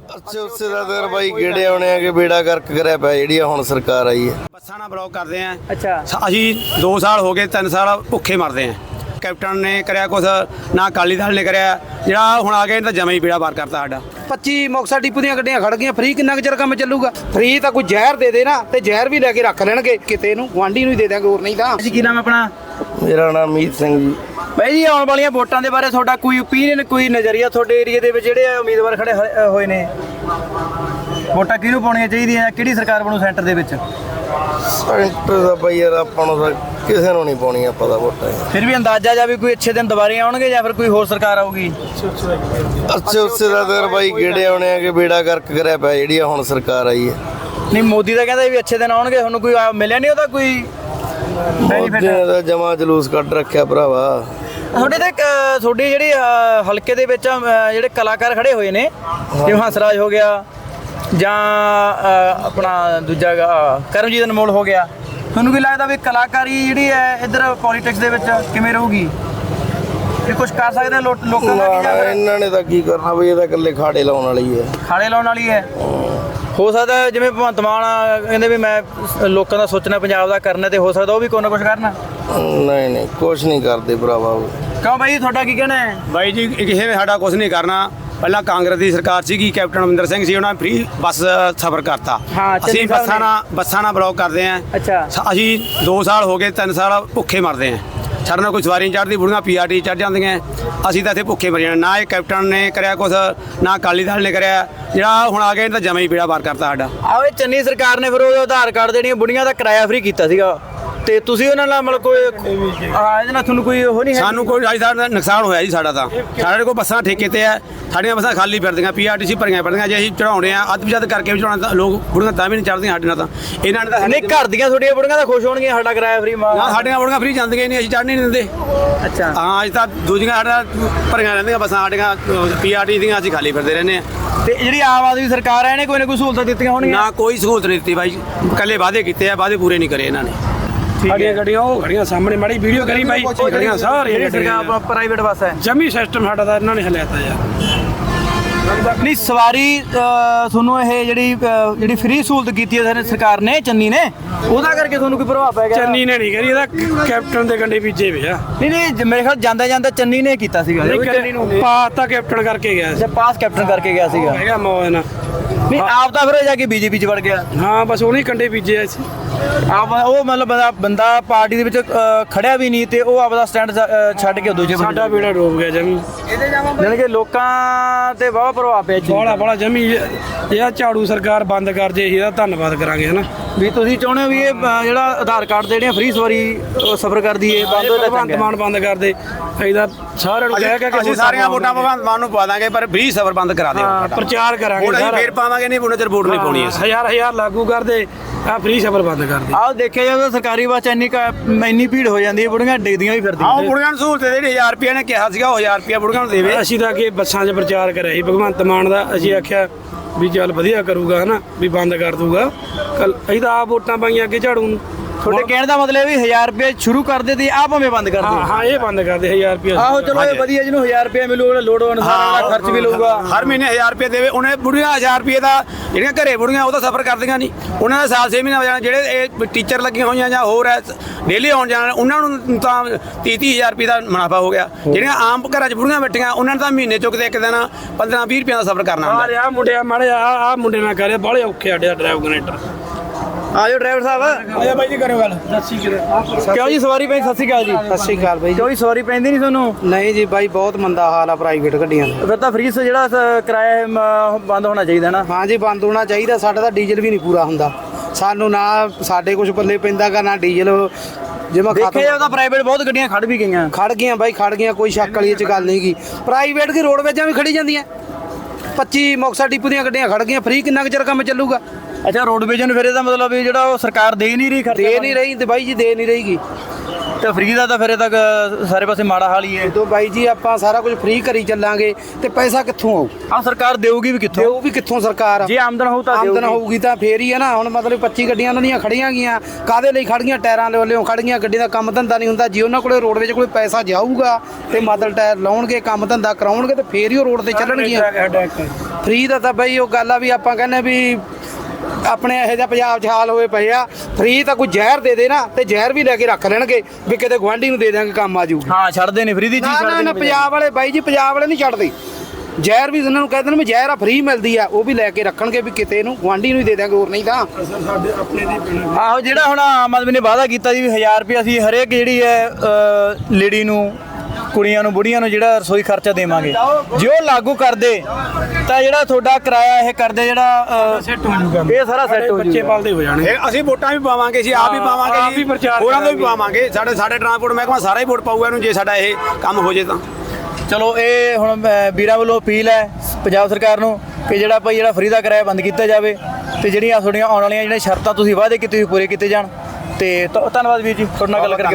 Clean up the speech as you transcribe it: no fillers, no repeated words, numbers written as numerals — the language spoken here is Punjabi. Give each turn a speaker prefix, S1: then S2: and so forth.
S1: ਅੱਛਾ ਉਸੇ ਦਾ ਦਰ ਬਾਈ ਗੇੜੇ ਆਉਣੇ ਆ ਕਿ ਬੇੜਾ ਗਰਕ ਕਰਿਆ ਪਿਆ ਜਿਹੜੀ ਹੁਣ ਸਰਕਾਰ ਆਈ ਹੈ।
S2: ਬੱਸਾਂ ਨਾਲ ਬਲੌਕ ਕਰਦੇ ਆ।
S3: ਅੱਛਾ
S2: ਅਸੀਂ 2 ਸਾਲ ਹੋ ਗਏ 3 ਸਾਲ ਭੁੱਖੇ ਮਰਦੇ ਆ। ਕੈਪਟਨ ਨੇ ਕਰਿਆ ਕੁਛ ਨਾ, ਅਕਾਲੀ ਦਲ ਨੇ ਕਰਿਆ। ਜਿਹੜਾ ਹੁਣ ਆ ਗਿਆ ਇਹਨੇ ਤਾਂ ਜਮਾਂ ਹੀ ਬੇੜਾ ਪਾਰ ਕਰਤਾ ਸਾਡਾ।
S4: 25 ਮੁਕਤਸਰ ਡਿਪੂ ਦੀਆਂ ਗੱਡੀਆਂ ਖੜ ਗਈਆਂ। ਫ੍ਰੀ ਕਿੰਨਾ ਕੁ ਚਿਰ ਕੰਮ ਚੱਲੂਗਾ? ਫ੍ਰੀ ਤਾਂ ਕੋਈ ਜ਼ਹਿਰ ਦੇ ਦੇ ਨਾ, ਤੇ ਜ਼ਹਿਰ ਵੀ ਲੈ ਕੇ ਰੱਖ ਲੈਣਗੇ ਕਿਤੇ ਨੂੰ, ਗੁਆਂਢੀ ਨੂੰ ਹੀ ਦੇ ਦਿਆਂਗੇ, ਹੋਰ ਨਹੀਂ ਤਾਂ।
S3: ਜੀ ਕੀ ਨਾਮ ਹੈ ਆਪਣਾ?
S1: ਮੇਰਾ ਨਾਮ ਮੀਤ ਸਿੰਘ ਜੀ।
S3: ਬਾਈ ਜੀ ਆਉਣ ਵਾਲੀਆਂ ਵੋਟਾਂ ਦੇ ਬਾਰੇ ਤੁਹਾਡਾ ਕੋਈ ਓਪੀਨੀਅਨ, ਕੋਈ ਨਜ਼ਰੀਆ ਤੁਹਾਡੇ ਏਰੀਆ ਦੇ ਵਿੱਚ ਜਿਹੜੇ ਉਮੀਦਵਾਰ ਖੜੇ ਹੋਏ ਨੇ? ਵੋਟਾਂ ਕਿਹਨੂੰ ਪਾਉਣੀਆਂ ਚਾਹੀਦੀਆਂ? ਕਿਹੜੀ ਸਰਕਾਰ ਬਣੂ ਸੈਂਟਰ ਦੇ ਵਿੱਚ?
S1: ਸੈਂਟਰ ਦਾ ਬਾਈ ਯਾਰ ਆਪਾਂ ਨੂੰ ਤਾਂ ਕਿਸੇ ਨੂੰ ਨਹੀਂ ਪਾਉਣੀਆਂ ਪਤਾ ਵੋਟਾਂ।
S3: ਫਿਰ ਵੀ ਅੰਦਾਜ਼ਾ ਜਾਂ ਵੀ ਕੋਈ ਅੱਛੇ ਦਿਨ ਦੁਬਾਰੇ ਆਉਣਗੇ ਜਾਂ ਫਿਰ ਕੋਈ ਹੋਰ ਸਰਕਾਰ ਆਊਗੀ?
S1: ਅੱਛਾ ਉਸੇ ਦਾ ਦਰ ਬਾਈ ਗੇੜੇ ਆਉਣੇ ਆ ਕਿ ਬੇੜਾ ਗਰਕ ਕਰਿਆ ਪਿਆ ਜਿਹੜੀ ਹੁਣ ਸਰਕਾਰ ਆਈ ਹੈ।
S3: ਨਹੀਂ ਮੋਦੀ ਦਾ ਕਹਿੰਦਾ ਵੀ ਅੱਛੇ ਦਿਨ ਆਉਣਗੇ, ਤੁਹਾਨੂੰ ਕੋਈ ਮਿਲਿਆ ਨਹੀਂ ਉਹਦਾ ਕੋਈ
S1: ਮੋਦੀ ਨੇ ਤਾਂ ਜਮਾ ਜਲੂਸ ਕੱਢ ਰੱਖਿਆ ਭਰਾਵਾ।
S3: ਤੁਹਾਡੇ ਤੇ ਤੁਹਾਡੀ ਜਿਹੜੀ ਹਲਕੇ ਦੇ ਵਿੱਚ ਜਿਹੜੇ ਕਲਾਕਾਰ ਖੜੇ ਹੋਏ ਨੇ, ਜਿਵੇਂ ਹੰਸਰਾਜ ਹੋ ਗਿਆ ਜਾਂ ਆਪਣਾ ਦੂਜਾ ਕਰਮਜੀਤ ਅਨਮੋਲ ਹੋ ਗਿਆ, ਤੁਹਾਨੂੰ ਕੀ ਲੱਗਦਾ ਵੀ ਕਲਾਕਾਰੀ ਜਿਹੜੀ ਹੈ ਇੱਧਰ ਪੋਲੀਟਿਕਸ ਦੇ ਵਿੱਚ ਕਿਵੇਂ ਰਹੂਗੀ? ਇਹ ਕੁਝ ਕਰ ਸਕਦੇ ਆ ਲੋਕਾਂ ਦਾ ਕੀ ਜਾਂ
S1: ਇਹਨਾਂ ਨੇ ਤਾਂ ਕੀ ਕਰਨਾ ਬਈ, ਇਹ ਤਾਂ ਇਕੱਲੇ ਖਾੜੇ ਲਾਉਣ ਵਾਲੀ ਹੈ,
S3: ਖਾੜੇ ਲਾਉਣ ਵਾਲੀ ਹੈ? ਹੋ ਸਕਦਾ ਜਿਵੇਂ ਭਗਵੰਤ ਮਾਨ ਕਹਿੰਦੇ ਵੀ ਮੈਂ ਲੋਕਾਂ ਦਾ ਸੋਚਣਾ, ਪੰਜਾਬ ਦਾ ਕਰਨਾ, ਤੇ ਹੋ ਸਕਦਾ ਉਹ ਵੀ ਕੋਈ ਨਾ ਕੁਝ ਕਰਨਾ।
S1: ਨਹੀਂ ਨਹੀਂ ਕੁਛ ਨਹੀਂ ਕਰਦੇ ਭਰਾਵਾ।
S3: ਕਿਉਂ ਬਾਈ ਤੁਹਾਡਾ ਕੀ ਕਹਿਣਾ ਹੈ?
S2: ਬਾਈ ਜੀ ਕਿਸੇ ਨੇ ਸਾਡਾ ਕੁਝ ਨਹੀਂ ਕਰਨਾ। ਪਹਿਲਾਂ ਕਾਂਗਰਸ ਦੀ ਸਰਕਾਰ ਸੀਗੀ, ਕੈਪਟਨ ਅਮਰਿੰਦਰ ਸਿੰਘ ਸੀ, ਉਹਨਾਂ ਨੇ ਫ੍ਰੀ ਬੱਸ ਸਫ਼ਰ ਕਰਤਾ। ਅਸੀਂ ਬੱਸਾਂ ਨਾਲ ਬਲੌਕ ਕਰਦੇ ਆ।
S3: ਅੱਛਾ
S2: ਅਸੀਂ 2 ਸਾਲ ਹੋ ਗਏ 3 ਸਾਲ ਭੁੱਖੇ ਮਰਦੇ ਆ। ਸਾਡੇ ਨਾਲ ਕੋਈ ਸਵਾਰੀ ਨਹੀਂ ਚੜ੍ਹਦੀ, ਬੁੜੀਆਂ PRT ਚੜ੍ਹ ਜਾਂਦੀਆਂ। ਅਸੀਂ ਤਾਂ ਇੱਥੇ ਭੁੱਖੇ ਮਰ ਜਾਣਾ। ਨਾ ਇਹ ਕੈਪਟਨ ਨੇ ਕਰਿਆ ਕੁਛ, ਨਾ ਅਕਾਲੀ ਦਲ ਨੇ ਕਰਿਆ। ਜਿਹੜਾ ਹੁਣ ਆ ਗਿਆ ਇਹਨੇ ਤਾਂ ਜਮਾਂ ਹੀ ਬੇੜਾ ਪਾਰ ਕਰਤਾ ਸਾਡਾ।
S3: ਆਹ ਇਹ ਚੰਨੀ ਸਰਕਾਰ ਨੇ ਫਿਰ ਉਹ ਆਧਾਰ ਕਾਰਡ ਜਿਹੜੀਆਂ ਬੁੜੀਆਂ ਦਾ ਕਿਰਾਇਆ ਫ੍ਰੀ ਕੀਤਾ ਸੀਗਾ, ਤੇ ਤੁਸੀਂ ਉਹਨਾਂ ਨਾਲ ਮਤਲਬ ਕੋਈ ਇਹਦੇ ਨਾਲ ਤੁਹਾਨੂੰ ਕੋਈ ਉਹ ਨਹੀਂ ਹੈ?
S2: ਸਾਨੂੰ ਕੋਈ ਅੱਜ ਦਾ ਨੁਕਸਾਨ ਹੋਇਆ ਜੀ ਸਾਡਾ ਤਾਂ। ਸਾਡੇ ਕੋਲ ਬੱਸਾਂ ਠੇਕੇ ਤੇ ਆ, ਸਾਡੀਆਂ ਬੱਸਾਂ ਖਾਲੀ ਫਿਰਦੀਆਂ, PRTC ਭਰੀਆਂ ਫਿਰਦੀਆਂ। ਜੇ ਅਸੀਂ ਚੜਾਉਣੇ ਆ ਅੱਧ ਵਿਜੱਦ ਕਰਕੇ ਵੀ ਚੜਾਉਣਾ, ਤਾਂ ਲੋਕ ਬੁੜੀਆਂ ਤਾਂ ਵੀ ਨਹੀਂ ਚੜ੍ਹਦੀਆਂ ਸਾਡੇ ਨਾਲ। ਤਾਂ ਇਹਨਾਂ ਨੇ ਤਾਂ
S3: ਨਹੀਂ ਘਰ ਦੀਆਂ ਤੁਹਾਡੀਆਂ ਬੁੜੀਆਂ ਤਾਂ ਖੁਸ਼ ਹੋਣਗੀਆਂ ਸਾਡਾ ਕਿਰਾਇਆ ਫ੍ਰੀ।
S2: ਨਾ ਸਾਡੀਆਂ ਬੁੜੀਆਂ ਫ੍ਰੀ ਜਾਂਦੀਆਂ ਹੀ ਨਹੀਂ, ਅਸੀਂ ਚੜ੍ਹਨੀ ਨਹੀਂ ਦਿੰਦੇ।
S3: ਅੱਛਾ
S2: ਹਾਂ ਅੱਜ ਤਾਂ ਦੂਜੀਆਂ ਸਾਡਾ ਭਰੀਆਂ ਰਹਿੰਦੀਆਂ ਬੱਸਾਂ, ਸਾਡੀਆਂ PRTC ਦੀਆਂ ਅਸੀਂ ਖਾਲੀ ਫਿਰਦੇ ਰਹਿੰਦੇ ਆ।
S3: ਤੇ ਜਿਹੜੀ ਆਮ ਆਦਮੀ ਸਰਕਾਰ ਹੈ ਇਹਨੇ ਕੋਈ ਨਾ ਕੋਈ ਸਹੂਲਤਾਂ ਦਿੱਤੀਆਂ ਹੋਣਗੀਆਂ?
S2: ਨਾ ਕੋਈ ਸਹੂਲਤ ਨਹੀਂ ਦਿੱਤੀ ਬਾਈ, ਇਕੱਲੇ ਵਾਅਦੇ ਕੀਤੇ ਆ, ਵਾਅਦੇ ਪੂਰੇ ਨਹੀਂ ਕਰੇ ਇਹਨਾਂ ਨੇ।
S5: ਸਾਡੀਆਂ ਗੱਡੀਆਂ ਉਹ ਖੜੀਆਂ ਸਾਹਮਣੇ, ਮਾੜੀ ਵੀਡੀਓ ਕਰੀ ਬਾਈ, ਖੜੀਆਂ ਸਾਰੀਆਂ
S3: ਜਿਹੜੀ ਸਰਕਾਰ ਪ੍ਰਾਈਵੇਟ ਬੱਸ ਹੈ,
S5: ਜਮੀ ਸਿਸਟਮ ਸਾਡਾ ਤਾਂ ਇਹਨਾਂ ਨੇ ਹਲਿਆਤਾ ਯਾਰ।
S3: ਨਹੀਂ ਸਵਾਰੀ ਤੁਹਾਨੂੰ ਇਹ ਜਿਹੜੀ ਫ੍ਰੀ ਸਹੂਲਤ ਕੀਤੀ ਹੈ ਸਰਕਾਰ ਨੇ, ਚੰਨੀ ਨੇ, ਉਹਦਾ ਕਰਕੇ ਤੁਹਾਨੂੰ ਕੋਈ ਪ੍ਰਭਾਵ ਪੈ ਗਿਆ?
S5: ਚੰਨੀ ਨੇ ਨਹੀਂ ਕਰੀ, ਇਹਦਾ ਕੈਪਟਨ ਦੇ ਕੰਡੇ ਬੀਜੇ ਵੇ ਆ।
S3: ਨਹੀਂ ਮੇਰੇ ਖਿਆਲ ਜਾਂਦਾ ਚੰਨੀ ਨੇ ਕੀਤਾ ਸੀਗਾ।
S5: ਚੰਨੀ ਨੂੰ ਪਾਸ ਤਾਂ ਕੈਪਟਨ ਕਰਕੇ ਗਿਆ ਸੀ,
S3: ਪਾਸ ਕੈਪਟਨ ਕਰਕੇ ਗਿਆ ਸੀਗਾ।
S5: ਹੈਗਾ ਮੌਜ ਨਾਲ।
S3: ਨਹੀਂ ਆਪ ਤਾਂ ਫਿਰ ਜਾ ਕੇ BJP ਚ ਵੜ ਗਿਆ।
S5: ਹਾਂ ਬਸ ਉਹਨੇ ਕੰਡੇ ਬੀਜੇ ਸੀ।
S3: ਆਪ ਉਹ ਮਤਲਬ ਬੰਦਾ ਪਾਰਟੀ ਦੇ ਵਿੱਚ ਖੜਿਆ ਵੀ ਨਹੀਂ, ਤੇ ਉਹ ਆਪਦਾ ਸਟੈਂਡ ਛੱਡ ਕੇ ਦੂਜੇ
S5: ਸਾਡਾ ਬੇੜਾ ਡੋਬ ਗਿਆ ਜਮੀ।
S3: ਜਾਣੀ ਕਿ ਲੋਕਾਂ ਤੇ ਬਹੁਤ ਪ੍ਰਭਾਵ ਪਿਆ ਜੀ।
S5: ਬੜਾ ਜਮੀ। ਇਹ ਝਾੜੂ ਸਰਕਾਰ ਬੰਦ ਕਰ ਜੇ, ਇਹਦਾ ਧੰਨਵਾਦ ਕਰਾਂਗੇ ਹਨਾ।
S3: ਵੀ ਤੁਸੀਂ ਚਾਹੁੰਦੇ ਹੋ ਵੀ ਇਹ ਜਿਹੜਾ ਆਧਾਰ ਕਾਰਡ ਤੇ ਜਿਹੜੀਆਂ ਫ੍ਰੀ ਸਵਾਰੀ ਸਫ਼ਰ ਕਰਦੀ ਹੈ ਬੰਦ ਹੋ
S5: ਭਗਵੰਤ ਮਾਨ ਬੰਦ ਕਰ ਦੇ। ਇਹਦਾ ਸਾਰਿਆਂ ਨੂੰ ਕਹਿ ਕੇ
S2: ਅਸੀਂ ਸਾਰੀਆਂ ਵੋਟਾਂ ਭਗਵੰਤ ਮਾਨ ਨੂੰ ਪਾ ਦਾਂਗੇ, ਪਰ ਫ੍ਰੀ ਸਫ਼ਰ ਬੰਦ ਕਰਾ ਦਿਓ।
S5: ਪ੍ਰਚਾਰ ਕਰਾਂਗੇ
S2: ਅਸੀਂ ਫੇਰ ਪਾਵਾਂਗੇ, ਨਹੀਂ ਉਹਨਾਂ ਚਿਰ ਵੋਟ ਨਹੀਂ ਪਾਉਣੀ।
S5: ਹਜ਼ਾਰ ਲਾਗੂ ਕਰ ਦੇ, ਆ ਫ੍ਰੀ ਸਫ਼ਰ ਬੰਦ ਕਰ ਦੇ।
S3: ਆਹ ਦੇਖਿਆ ਜਾਵੇ ਸਰਕਾਰੀ ਬੱਸ ਇੰਨੀ ਭੀੜ ਹੋ ਜਾਂਦੀ ਹੈ, ਬੁੜੀਆਂ ਡਿੱਗਦੀਆਂ ਵੀ ਫਿਰਦੀਆਂ।
S2: ਆਹ ਬੁੜੀਆਂ ਨੂੰ ਸਹੂਲਤ ਦੇ 1000 ਰੁਪਏ ਨੇ ਕਿਹਾ ਸੀਗਾ, ਉਹ 1000 ਰੁਪਏ ਬੁੜੀਆਂ ਨੂੰ ਦੇਵੇ।
S5: ਅਸੀਂ ਤਾਂ ਅੱਗੇ ਬੱਸਾਂ 'ਚ ਪ੍ਰਚਾਰ ਕਰਿਆ ਸੀ ਭਗਵੰਤ ਮਾਨ ਦਾ। ਅਸੀਂ ਆਖਿਆ ਵੀ ਚੱਲ ਵਧੀਆ ਕਰੂਗਾ ਹਨਾ, ਵੀ ਬੰਦ ਕਰ ਦੂਗਾ। ਕੱਲ ਅਸੀਂ ਤਾਂ ਆਪ ਵੋਟਾਂ ਪਾਈਆਂ ਅੱਗੇ ਝਾੜੂ ਨੂੰ।
S3: ਤੁਹਾਡੇ ਕਹਿਣ ਦਾ ਮਤਲਬ ਵੀ 1000 ਰੁਪਏ ਸ਼ੁਰੂ ਕਰਦੇ ਤੇ ਆਹ ਭਾਵੇਂ ਬੰਦ ਕਰ ਦਿਓ।
S5: ਹਾਂ ਇਹ ਬੰਦ ਕਰ ਦੇ 1000 ਰੁਪਏ।
S3: ਆਹੋ ਚਲੋ ਇਹ ਵਧੀਆ, ਜਿਹਨੂੰ 1000 ਰੁਪਏ ਮਿਲੂਗਾ ਲੋੜ ਅਨੁਸਾਰ ਖਰਚ ਵੀ ਲਊਗਾ।
S2: ਹਰ ਮਹੀਨੇ 1000 ਰੁਪਏ ਦੇਵੇ। ਉਹਨੇ ਬੁੜੀਆਂ 1000 ਰੁਪਏ ਦਾ, ਜਿਹੜੀਆਂ ਘਰੇ ਬੁੜੀਆਂ ਉਹ ਤਾਂ ਸਫ਼ਰ ਕਰਦੀਆਂ ਨਹੀਂ, ਉਹਨਾਂ ਦਾ ਸਾਲ 6 ਮਹੀਨੇ ਹੋ ਜਾਣਾ। ਜਿਹੜੇ ਇਹ ਟੀਚਰ ਲੱਗੀਆਂ ਹੋਈਆਂ ਜਾਂ ਹੋਰ ਹੈ ਡੇਲੀ ਆਉਣ ਜਾਣ, ਉਹਨਾਂ ਨੂੰ ਤਾਂ 30-30,000 ਰੁਪਏ ਦਾ ਮੁਨਾਫਾ ਹੋ ਗਿਆ। ਜਿਹੜੀਆਂ ਆਮ ਘਰਾਂ 'ਚ ਬੁੜੀਆਂ ਬੈਠੀਆਂ, ਉਹਨਾਂ ਨੂੰ ਤਾਂ ਮਹੀਨੇ ਚੁੱਕਦੇ ਇੱਕ ਦਿਨ 15-20 ਰੁਪਏ ਦਾ ਸਫ਼ਰ ਕਰਨਾ ਹੁੰਦਾ।
S5: ਆ ਮੁੰਡਿਆ ਮਾੜੇ ਆ ਮੁੰਡੇ ਨਾਲ ਕਰਿਆ, ਬਾਹਲੇ ਔਖੇ ਆੜਿਆ ਡਰਾਈਵ ਕਨੈਕਟਰ।
S3: ਆਜੋ ਡਰਾਈਵਰ ਸਾਹਿਬ।
S5: ਆਜਾ ਬਾਈ ਜੀ ਕਰੋ ਗੱਲ।
S3: ਕਿਉਂ ਜੀ ਸਵਾਰੀ ਪੈਂਦੀ? ਸਤਿ ਸ਼੍ਰੀ ਅਕਾਲ ਜੀ।
S4: ਸਤਿ ਸ਼੍ਰੀ ਅਕਾਲ ਬਾਈ।
S3: ਕਿਉਂ ਜੀ ਸਵਾਰੀ ਪੈਂਦੀ ਨਹੀਂ ਤੁਹਾਨੂੰ?
S4: ਨਹੀਂ ਜੀ ਬਾਈ, ਬਹੁਤ ਮੰਦਾ ਹਾਲ ਆ ਪ੍ਰਾਈਵੇਟ ਗੱਡੀਆਂ ਦਾ।
S3: ਫਿਰ ਤਾਂ ਫ੍ਰੀ ਜਿਹੜਾ ਕਿਰਾਇਆ ਬੰਦ ਹੋਣਾ ਚਾਹੀਦਾ ਨਾ।
S4: ਹਾਂ ਜੀ ਬੰਦ ਹੋਣਾ ਚਾਹੀਦਾ। ਸਾਡਾ ਤਾਂ ਡੀਜ਼ਲ ਵੀ ਨਹੀਂ ਪੂਰਾ ਹੁੰਦਾ, ਸਾਨੂੰ ਨਾ ਸਾਡੇ ਕੁਝ ਪੱਲੇ ਪੈਂਦਾਗਾ ਨਾ ਡੀਜ਼ਲ। ਜਿਵੇਂ
S3: ਦੇਖਿਆ ਜਾਵੇ ਤਾਂ ਪ੍ਰਾਈਵੇਟ ਬਹੁਤ ਗੱਡੀਆਂ ਖੜ ਵੀ ਗਈਆਂ।
S4: ਖੜ ਗਈਆਂ ਬਾਈ, ਖੜ ਗਈਆਂ, ਕੋਈ ਸ਼ੱਕ ਵਾਲੀ ਇਹ 'ਚ ਗੱਲ ਨਹੀਂ ਗੀ। ਪ੍ਰਾਈਵੇਟ ਕੀ ਰੋਡਵੇਜ਼ਾਂ ਵੀ ਖੜੀ ਜਾਂਦੀਆਂ। 25 ਮੁਕਤਸਰ ਡਿਪੂ ਦੀਆਂ ਗੱਡੀਆਂ ਖੜ ਗਈਆਂ। ਫ੍ਰੀ ਕਿੰਨਾ ਕੁ ਚਿਰ ਕੰਮ ਚੱਲੂਗਾ?
S3: ਅੱਛਾ ਰੋਡਵੇਜ਼ ਨੂੰ ਫਿਰ ਇਹਦਾ ਮਤਲਬ ਵੀ ਜਿਹੜਾ ਉਹ ਸਰਕਾਰ ਦੇ ਨਹੀਂ ਰਹੀ,
S4: ਦੇ ਨਹੀਂ ਰਹੀ ਤੇ ਬਾਈ ਜੀ ਦੇ ਨਹੀਂ ਰਹੀਗੀ।
S3: ਤੇ ਫ੍ਰੀ ਦਾ ਤਾਂ ਫਿਰ ਇਹ ਤੱਕ ਸਾਰੇ ਪਾਸੇ ਮਾੜਾ ਹਾਲ ਹੀ ਹੈ।
S4: ਜਦੋਂ ਬਾਈ ਜੀ ਆਪਾਂ ਸਾਰਾ ਕੁਝ ਫ੍ਰੀ ਕਰੀ ਚੱਲਾਂਗੇ ਤੇ ਪੈਸਾ ਕਿੱਥੋਂ ਆਊ?
S3: ਆਹ ਸਰਕਾਰ ਦੇਊਗੀ ਵੀ ਕਿੱਥੋਂ?
S4: ਉਹ ਵੀ ਕਿੱਥੋਂ ਸਰਕਾਰ?
S3: ਜੇ ਆਮਦਨ ਹੋਊ ਤਾਂ
S4: ਆਮਦਨ
S3: ਦੇਊਗੀ।
S4: ਹੋਊਗੀ ਤਾਂ ਫੇਰ ਹੀ ਹੈ ਨਾ। ਹੁਣ ਮਤਲਬ 25 ਗੱਡੀਆਂ ਉਹਨਾਂ ਦੀਆਂ ਖੜੀਆਂ ਗਈਆਂ, ਕਾਦੇ ਲਈ ਖੜੀਆਂ? ਟਾਇਰਾਂ ਦੇ ਵੱਲੋਂ ਖੜੀਆਂ, ਗੱਡੀ ਦਾ ਕੰਮ ਧੰਦਾ ਨਹੀਂ ਹੁੰਦਾ। ਜੇ ਉਹਨਾਂ ਕੋਲੇ ਰੋਡਵੇਜ ਕੋਲੇ ਪੈਸਾ ਜਾਊਗਾ ਤੇ ਮਤਲਬ ਟਾਇਰ ਲਾਉਣਗੇ, ਕੰਮ ਧੰਦਾ ਕਰਾਉਣਗੇ ਤੇ ਫੇਰ ਹੀ ਉਹ ਰੋਡ ਤੇ ਚੱਲਣਗੀਆਂ। ਫ੍ਰੀ ਦਾ ਤਾਂ ਬਈ ਉਹ ਗੱਲ ਆ ਵੀ ਆਪਾਂ ਕਹਿੰਦੇ ਵੀ ਆਪਣੇ ਇਹੋ ਜਿਹਾ ਪੰਜਾਬ 'ਚ ਹਾਲ ਹੋਏ ਪਏ ਆ। ਫ੍ਰੀ ਤਾਂ ਕੋਈ ਜ਼ਹਿਰ ਦੇ ਦੇ ਨਾ ਤੇ ਜ਼ਹਿਰ ਵੀ ਲੈ ਕੇ ਰੱਖ ਲੈਣਗੇ ਵੀ ਕਿਤੇ ਗੁਆਂਢੀ ਨੂੰ ਦੇ ਦਿਆਂਗੇ, ਕੰਮ ਆ ਜਾਊਗੀ।
S3: ਹਾਂ ਛੱਡਦੇ ਨੇ ਫ੍ਰੀ ਦੀ ਚੀਜ਼,
S4: ਨਾ
S3: ਛੱਡਦੇ
S4: ਨਾ
S3: ਨੇ
S4: ਪੰਜਾਬ ਵਾਲੇ ਬਾਈ ਜੀ, ਪੰਜਾਬ ਵਾਲੇ ਨਹੀਂ ਛੱਡਦੇ। ਜ਼ਹਿਰ ਵੀ ਉਹਨਾਂ ਨੂੰ ਕਹਿ ਦੇਣ ਵੀ ਜ਼ਹਿਰ ਆ ਫ੍ਰੀ ਮਿਲਦੀ ਆ, ਉਹ ਵੀ ਲੈ ਕੇ ਰੱਖਣਗੇ ਵੀ ਕਿਤੇ ਨੂੰ ਗੁਆਂਢੀ ਨੂੰ ਹੀ ਦੇ ਦਿਆਂਗੇ, ਹੋਰ ਨਹੀਂ ਤਾਂ।
S5: ਸਾਡੇ ਆਪਣੇ ਦੀ ਪੈਣਾ।
S3: ਆਹੋ ਜਿਹੜਾ ਹੁਣ ਆਮ ਆਦਮੀ ਨੇ ਵਾਅਦਾ ਕੀਤਾ ਜੀ ਵੀ 1000 ਰੁਪਏ ਅਸੀਂ ਹਰੇਕ ਜਿਹੜੀ ਹੈ ਲੇਡੀ ਨੂੰ, ਕੁੜੀਆਂ ਨੂੰ, ਬੁੜੀਆਂ ਨੂੰ ਜਿਹੜਾ ਰਸੋਈ ਖਰਚਾ ਦੇਵਾਂਗੇ। ਜੇ ਉਹ ਲਾਗੂ ਕਰਦੇ ਤਾਂ ਜਿਹੜਾ ਤੁਹਾਡਾ ਕਿਰਾਇਆ ਇਹ ਕਰਦੇ ਜਿਹੜਾ
S5: ਸੈੱਟ ਹੋ ਜੂਗਾ,
S3: ਇਹ ਸਾਰਾ ਸੈੱਟ ਹੋ
S5: ਬੱਚੇ
S3: ਜੂਗਾ।
S5: ਪਾਲਦੇ ਹੋ ਜਾਣੇ।
S2: ਇਹ ਅਸੀਂ ਵੋਟਾਂ ਵੀ ਪਾਵਾਂਗੇ, ਅਸੀਂ ਆਪ ਵੀ
S5: ਆਪ
S2: ਪਾਵਾਂਗੇ
S5: ਵੀ ਪ੍ਰਚਾਰ
S2: ਹੋਰਾਂ ਤੋਂ ਵੀ
S5: ਕਰਾਂਗੇ।
S2: ਪਾਵਾਂਗੇ। ਸਾਡੇ ਟਰਾਂਸਪੋਰਟ ਮਹਿਕਮਾ ਸਾਰਾ ਹੀ ਵੋਟ ਪਾਊਗਾ ਇਹਨੂੰ, ਜੇ ਸਾਡਾ ਇਹ ਕੰਮ ਹੋ ਜੇ ਤਾਂ।
S3: ਚਲੋ ਇਹ ਹੁਣ ਵੀਰਾਂ ਵੱਲੋਂ ਅਪੀਲ ਹੈ ਪੰਜਾਬ ਸਰਕਾਰ ਨੂੰ ਕਿ ਜਿਹੜਾ ਭਾਈ ਜਿਹੜਾ ਫ੍ਰੀ ਦਾ ਕਿਰਾਇਆ ਬੰਦ ਕੀਤਾ ਜਾਵੇ ਤੇ ਜਿਹੜੀਆਂ ਤੁਹਾਡੀਆਂ ਆਉਣ ਵਾਲੀਆਂ ਜਿਹੜੀਆਂ ਸ਼ਰਤਾਂ ਤੁਸੀਂ ਵਾਅਦੇ ਕੀਤੇ ਹੋਏ ਪੂਰੇ ਕੀਤੇ ਜਾਣ। ਤੇ ਧੰਨਵਾਦ ਵੀਰ ਜੀ, ਤੁਹਾਡੇ ਨਾਲ ਗੱਲ ਕਰਕੇ